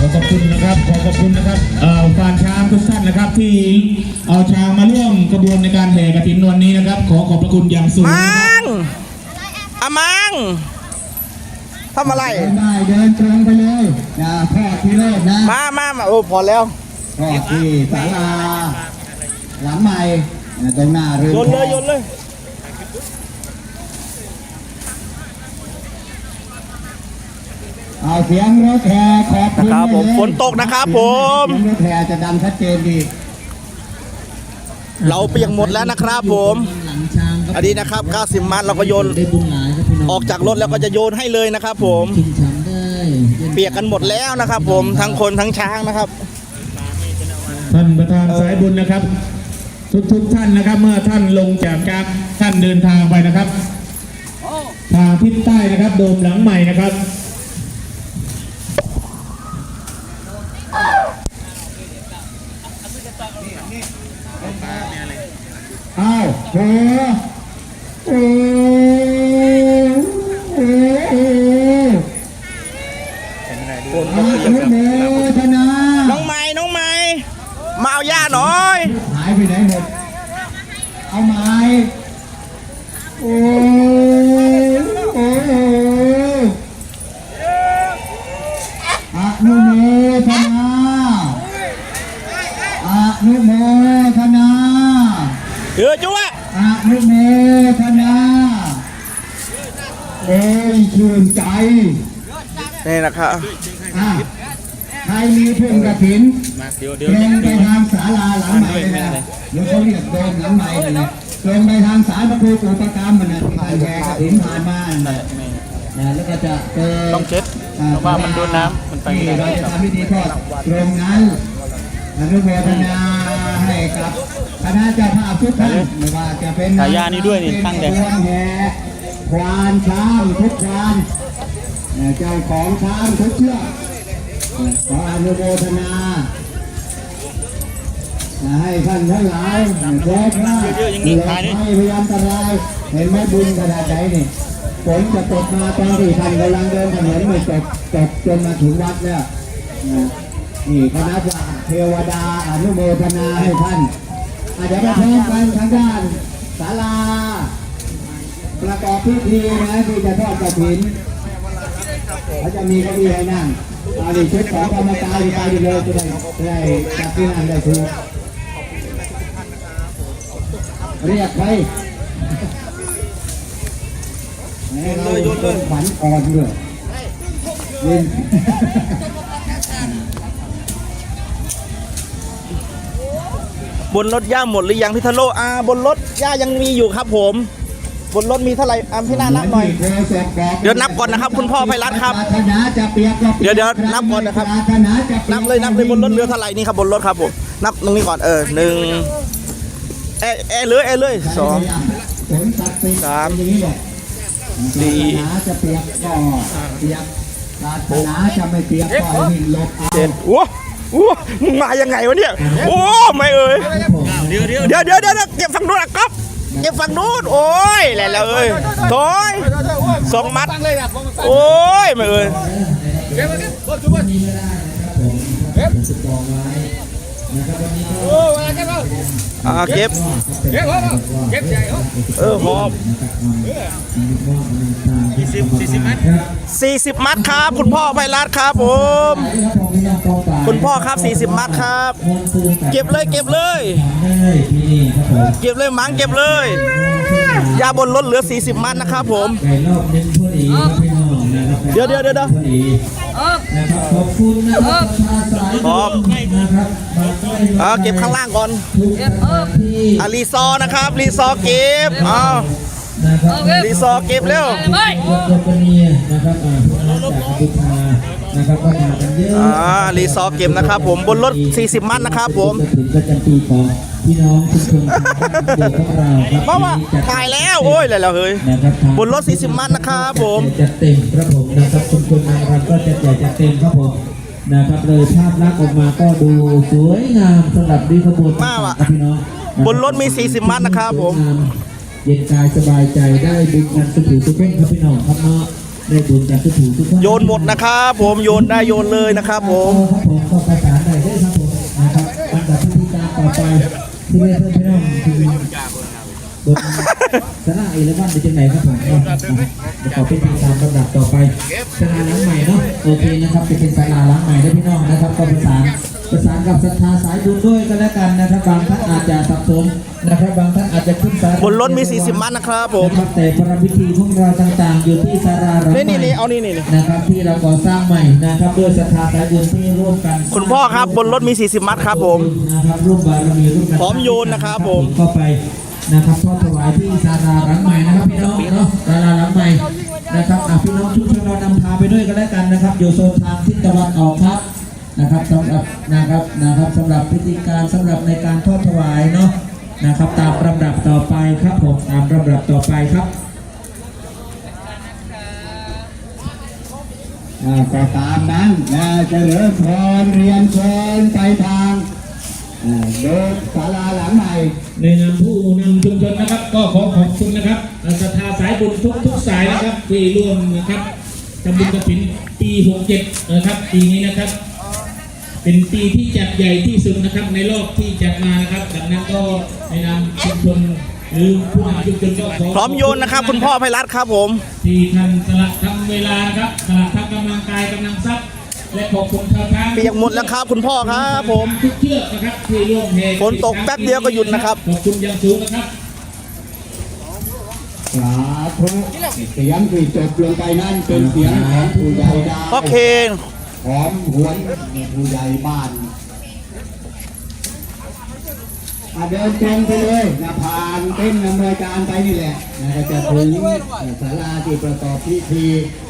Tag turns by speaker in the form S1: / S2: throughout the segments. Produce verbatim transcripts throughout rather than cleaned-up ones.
S1: อขอบคุณนะครับขอขอบคุณนะครับฟานช้างทุกท่านนะครับที่เอาช้างมาร่วมกระบวนในการแห่กฐินวันนี้นะครับขอขอบพระคุณอย่างสูง
S2: มังอะมังทำอะไร
S3: ได้เดินตรงไปเลยอย่าทอดที่เลิศนะ
S2: มามามาโอ้พอแล้ว
S3: ทอดที่ศาลาหลังใหม่ตรงหน้าเรือน
S2: โยนเลยโยนเลย
S3: เอาเสียงรถแห่ขอบคุณ
S2: ครับผมฝนตกนะครับผม
S3: รถแห่จะดังชัดเจนดี
S2: เราเปียกหมดแล้วนะครับผมอันนี้นะครับเก้าสิบมัดเราก็โยนออกจากรถแล้วก็จะโยนให้เลยนะครับผมเปียกกันหมดแล้วนะครับผมทั้งคนทั้งช้างนะครับ
S1: ท่านประธานสายบุญนะครับทุกทุกท่านนะครับเมื่อท่านลงจากจากท่านเดินทางไปนะครับทางทิศใต้นะครับโดมหลังใหม่นะครับ
S3: อ้าวโหโอ้โหชนะ
S2: น้องไม้น้องไม้มาเอาย่าหน่อย
S3: หายไปไหนหมดเอาไม้โอ้โอ้อะนุโมทนาอะนุโมทนา
S2: เออจุ๊ะ
S3: อะนุโมทนาเอ้ยชื่นใจ
S2: นี่นะครับ
S3: ใครมีเพื่อนกระถินลงไปทางศาลาหลังใหม่เลยนะหรือเขาเรียกโดมหลังใหม่เลยนะลงไปทางศาลพระครูอุปกรรมมันนะที่แห่กระถินผ่านมานะแล้วก็จะเจอ
S2: ต้องเช็ดเพราะว่ามันโดนน้ำมันไป
S3: ที่เราจะทำพิธีทอดตรงนั้นอนุโมทนาให้กับคณะเจ้าภาพทุกท่านไม่ว่าจะเป็น
S2: สายยานี่ด้วยนี่ตั้งแต่
S3: แห่ควานช้างทุกควานเจ้าของช้างทุกเชือกขออนุโมทนาให้ท่านทั้งหลายแจ้งว่าไม่พยายามตรายเห็นไหมบุญขนาดไหนนี่ฝนจะตกมาตอนที่ท่านกำลังเดินถนนไม่ตกตกจนมาถึงวัดแล้วนี่คณะเทวดาอนุโมทนาให้ท่านอาจจะไปพร้อมกันทางด้านศาลาประกอบพิธีนะที่จะทอดกฐินเขาจะมีเก้าอี้ให้นั่งเอาดิชุดของกรรมการไปดีเลยจะได้ได้จับที่นั่งได้ถูกเรียกไปเราเป็นขวัญอ่อนเลยยิน
S2: บนรถย่าหมดหรือยังพี่ทะโลอาบนรถย่ายังมีอยู่ครับผมบนรถมีเท่าไหร่อ่ะพี่นานับหน่อยเดี๋ยวนับก่อนนะครับคุณพ่อไพรัตครับเดี๋ยวเดี๋ยวนับก่อนนะครับนับเลยนับเลยบนรถเรือเท่าไหร่นี่ครับบนรถครับผมนับตรงนี้ก่อนเออหนึ่งเอเอเลยเอเลยสองสามสี่เจ็ดโอ้โหมึงมายังไงวะเนี่ยโอ้ไม่เอ่ยเดี๋ยวเดี๋ยวเดี๋ยวเดี๋ยวเดี๋ยวเก็บฝั่งนู้นอ่ะก๊อฟเก็บฝั่งนู้นโอ้ยแหละแล้วเอ้ยถอยสองมัดโอ้ยไม่เอ่ยอ่าเก็บเออหอบสี่สิบสี่สิบมัดสี่สิบมัดครับคุณพ่อไพรัตครับผมคุณพ่อครับสี่สิบมัดครับเก็บเลยเก็บเลยเก็บเลยมังเก็บเลยยาบนรถเหลือสี่สิบมัดนะครับผมเดี๋ยวเดี๋ยวเดี๋ยวขอบคุณนะครับขอบอ่าเก็บข้างล่างก่อนอ่ารีซอนะครับรีซอเก็บอ้าวรีซอเก็บเร็วอ่ารีซอเก็บนะครับผมบนรถสี่สิบมัดนะครับผมพี่น้องทุกคนเพราะว่าถ่ายแล้วโอ้ยอะไรแล้วเฮ้ยบนรถสี่สิบมัดนะครับผม
S3: จะเต็มครับผมนะครับคุณคุณนางรำก็จะใหญ่จะเต็มครับผมนะครับเลยภาพลักษณ์ออกมาก็ดูสวยงามสำหรับดีขบวน
S2: มากอ่ะพี่น้องบนรถมีสี่สิบมัดนะครับผม
S3: เย็นกายสบายใจได้บุญกันสุขสุขทุกคนครับพี่น้องครับเนาะได้บุญกันทุกถูกทุกคน
S2: โยนหมดนะครับผมโยนได้โยนเลยนะครับผม
S3: ครับผมก็ประสานได้ได้ครับผมนะครับอันดับพิธีการต่อไปที่เรียกเพื่อนพี่น้องคือโดยสนาเอเลวันเป็นยังไงครับผมจะขอพิธีการลำดับต่อไปศาลาหลังใหม่เนาะโอเคนะครับจะเป็นศาลาหลังใหม่ได้พี่น้องนะครับก็ประสานประสานกับศรัทธาสายบุญด้วยก็แล้วกันนะครับบางท่านอาจจะสับสนนะครับบางท่านอาจจะขึ้นศาล
S2: บนรถมีสี่สิบมัดนะครับผม
S3: นะครับแต่ประพิธีของเราต่างๆ อยู่ที่ศาลาหลังใหม่
S2: นี่นี่นี่เอานี่นี่
S3: นะครับที่เราก่อสร้างใหม่นะครับด้วยศรัทธาสายบุญที่ร่วมกัน
S2: คุณพ่อครับบนรถมีสี่สิบมัดครับผม
S3: นะครับร่วมบารมีร่วมกัน
S2: พร้อมโยนนะครับผม
S3: เข้าไปนะครับทอดถวายที่ศาลาหลังใหม่นะครับพี่น้องเนาะศาลาหลังใหม่นะครับอ่ะพี่น้องทุกชนเรานำพาไปด้วยกันแล้วกันนะครับอยู่โซนทางทิศตะวันออกครับนะครับสำหรับนะครับนะครับสำหรับพิธีการสำหรับในการทอดถวายเนาะนะครับตามลำดับต่อไปครับผมตามลำดับต่อไปครับอ่าก็ตามนั้นนะเจริญพรเรียนเชิญไปทางอ่าเดินศาลาหลังใหม่
S1: ในนามผู้นำชุมชนนะครับ ก็ขอขอบคุณนะครับศรัทธาสายบุญทุกทุกสายนะครับที่ร่วมนะครับทำบุญกฐินปีหกเจ็ดนะครับปีนี้นะครับ เป็นปีที่จัดใหญ่ที่สุดนะครับในรอบที่จัดมานะครับดังนั้นก็ในนามชุมชนหรือผู้นำชุมชนก็ขอ
S2: พร้อมโยนนะครับคุณพ่อไพรัตน์ครับผม
S1: ที่ท่านสละทำเวลานะครับสละทั้งกำลังกายกำลังทรัพย์และขอบคุณชาวช้าง
S2: เปียกหมดแล้วครับคุณพ่อครับผม
S1: ทุกเชือกนะครับที่ร่วมแห่
S2: ฝนตกแป๊บเดียวก็หยุดนะครับ
S1: ขอบคุณอย่างสูงนะครับ
S3: สาธุเสียงที่จบลงไปนั่นเป็นเสียงของผู้ใหญ่ดาว
S2: พ่อเคน
S3: หอมหวนผู้ใหญ่บ้านอ่ะเดินตรงไปเลยนะผ่านเต้นอำนวยการไปนี่แหละนะก็จะถึงศาลาที่ประกอบพิธี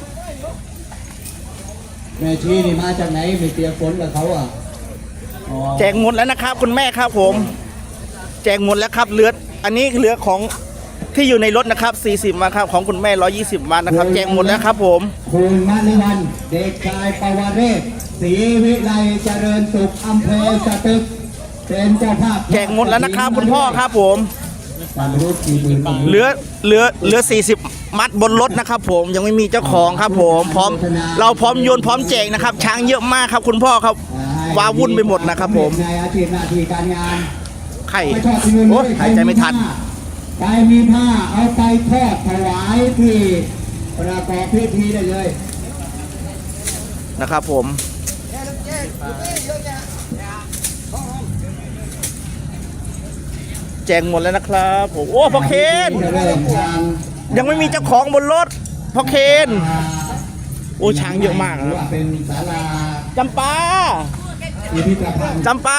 S3: แม่ชีนี่มาจากไหนไม่เปียกฝนกับเขาอ่ะอ๋อ
S2: แจกหมดแล้วนะครับคุณแม่ครับผม แจกหมดแล้วครับเหลืออันนี้เหลือของที่อยู่ในรถนะครับสี่สิบมาครับของคุณแม่หนึ่งร้อยยี่สิบมานะครับแจกหมดแล้วครับผม
S3: คุณมณิวันเด็กชายปวเรศศรีวิไลเจริญสุขอำเภอสตึกเป็นเจ้าภาพ
S2: แจกหมดแล้วนะครับคุณพ่อครับผม
S3: ความรู้กี่หมื่น
S2: เหลือเหลือเหลือสี่สิบมัดบนรถนะครับผมยังไม่มีเจ้าของครับผมพร้อมเราพร้อมโยนพร้อมแจกนะครับช้างเยอะมากครับคุณพ่อครับว้าวุ่นไปหมดนะครับผม
S3: ในอาชีพหน้าที่การงาน
S2: ไข่
S3: ไม่ชอบที่นู่น
S2: โอ้ยหายใจไม่ทัน
S3: ใครมีผ้าเอาไปทอดถวายที่ประกอบพิธีได้เลย
S2: นะครับผม แจกหมดแล้วนะครับผมโอ้พ่อเคน
S3: จะเริ่มทาง
S2: ยังไม่มีเจ้าของบนรถพ่อเคนโอ้ช้างเยอะมาก
S3: หรือ
S2: นะ
S3: ว่าเป็นศาลา
S2: จำปา
S3: พิพิธภัณฑ์
S2: จำปา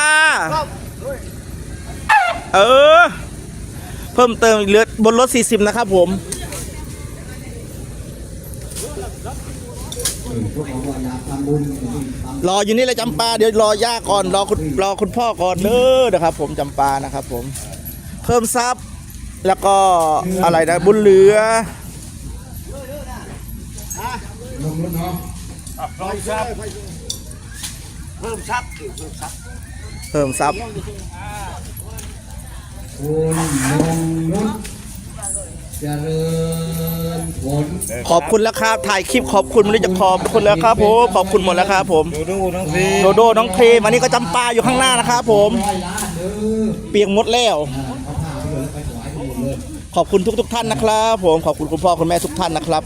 S2: เออ เพิ่มเติมอีกเหลือบนรถสี่สิบนะครับผม
S3: พวกเขาบอกอยากทำบุญทำ
S2: รออยู่นี่เลยจำปาเดี๋ยวรอย่าก่อนรอคุณรอคุณพ่อก่อนเด้อนะครับผมจำปานะครับผม เพิ่มทรัพย์แล้วก็อะไรนะบุญเหลือ
S3: ลงรถเนาะ
S2: เพิ่มทรัพย์เพิ่มทรัพย์
S3: คุณลงรถเจริญผล
S2: ขอบคุณแล้วครับถ่ายคลิปขอบคุณไม่รู้จะขอบคุณแล้วครับผมขอบคุณหมดแล้วครับผมโดโดน้องครีโดโดน้องครีมอันนี้ก็จำปาอยู่ข้างหน้านะครับผม
S3: ร้อยล้านเด้อ
S2: เปียกหมดแล้ว
S3: เอาผ้าไปเลยไปถวายที่นู่นเลย
S2: ขอบคุณทุกทุกๆท่านนะครับผมขอบคุณคุณพ่อคุณแม่ทุกท่านนะครับ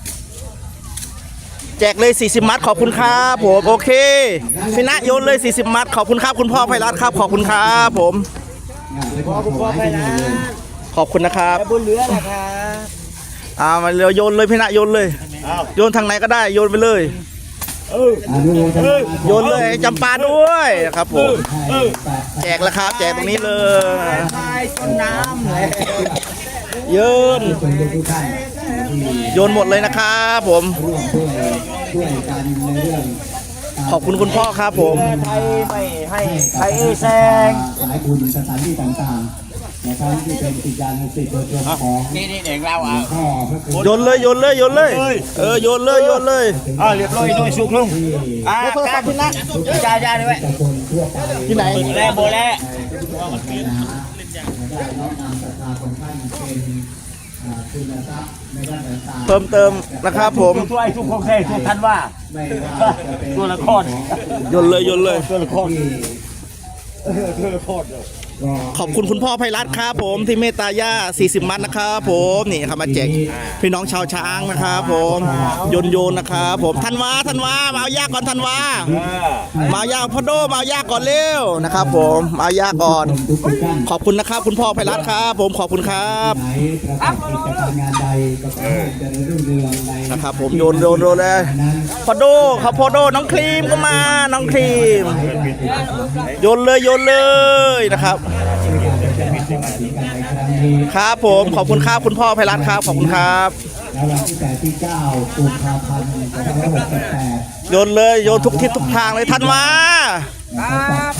S2: แจกเลยสี่สิบมัดขอบคุณครับผมโอเคพี่ณโยนเลยสี่สิบมัดขอบคุณครับคุณพ่อไพรัตน์ครับขอบคุณครับผม
S3: ไปถวายที่นู่นเลย
S2: ขอบคุณนะครับ
S4: บุญเหลือนะครับ
S2: อ่ามาเร็วโยนเลยพี่ณโยนเลย โยนทางไหนก็ได้โยนไปเลย
S3: อนุโมทนา
S2: โยนเลยจำปาด้วยนะครับผม
S3: ให้แปด
S2: แจกแล้วครับแจกตรงนี้เลย
S4: ทายต้นน้ำเลย
S2: โยน
S3: คนทุกท่านที่
S2: โยนหมดเลยนะครับผม
S3: ร่วมช่วยช่วยกันในเรื่อง
S2: ขอบคุณคุณพ่อครับผม
S4: ไทยไม่ให้ไทยแซง
S3: สายบุญสถานที่ต่างๆนะครับที่เป็นกิจการสิทธิ์โดยตรงของ
S4: นี่นี่เด็กเรา
S3: หล
S4: อ่ะ
S3: วงพ่อพระคุณ
S2: โยนเลยโยนเลยโยนเลยเออโยนเลยโยนเลย
S4: อ่าเรียบร้อยด้วยสุกลุง
S3: ที่
S4: อ่า
S2: โทรศัพท์พี่ณ
S4: จ่ายจ่ายด้วย
S3: ตะคนทั่วไป
S2: ที่ไหน
S4: แล่โบแล่
S3: ในพระพุทธศาสนาได้น้อมนำศรัทธาของท่านเป็นอ่าคุณทรัพย์ในด้านต่างๆ
S2: เพิ่มเติมนะครับผม
S4: ตัวไอ้ทุกของแท้ทุกทันว่า
S3: ไม่ว่าจะเป็น
S4: ตัวละคร
S2: โยนเลยโยนเลย
S4: ตัวละคร
S3: ที่
S4: ตัวละคร
S3: ก็
S2: ขอบคุณคุณพ่อไพรัตน์ครับผมที่เมตตาย่าสี่สิบมัดนะครับผมนี่ครับมาแจกพี่น้องชาวช้างนะครับผมโยนโยนนะครับผมธันวาธันวามาเอาย่าก่อนธันวามาเอาย่าพ่อโดมาเอาย่าก่อนเร็วนะครับผมมาเอาย่าก่อน
S3: ทุกท่าน
S2: ขอบคุณนะครับคุณพ่อไพรัตน์ครับผมขอบคุณครับ
S3: ไหนประกอบกิจการงานใดก็ขอให้เจริญรุ่งเรืองใน
S2: นะครับผมโยนโยนโยนเลยพ่อโดครับพ่อโดน้องครีมก็มาน้องครีมโยนเลยโยนเลยนะครับ ครับผมขอบคุณครับคุณพ่อไพรัตน์ครับขอบคุณครับ
S3: แล้ววันที่แปดที่เก้ากุมภาพันธ์สองพันห้าร้อยหกสิบแปด
S2: โยนเลยโยนทุกทิศทุกทางเลยทันวา
S3: นะครับ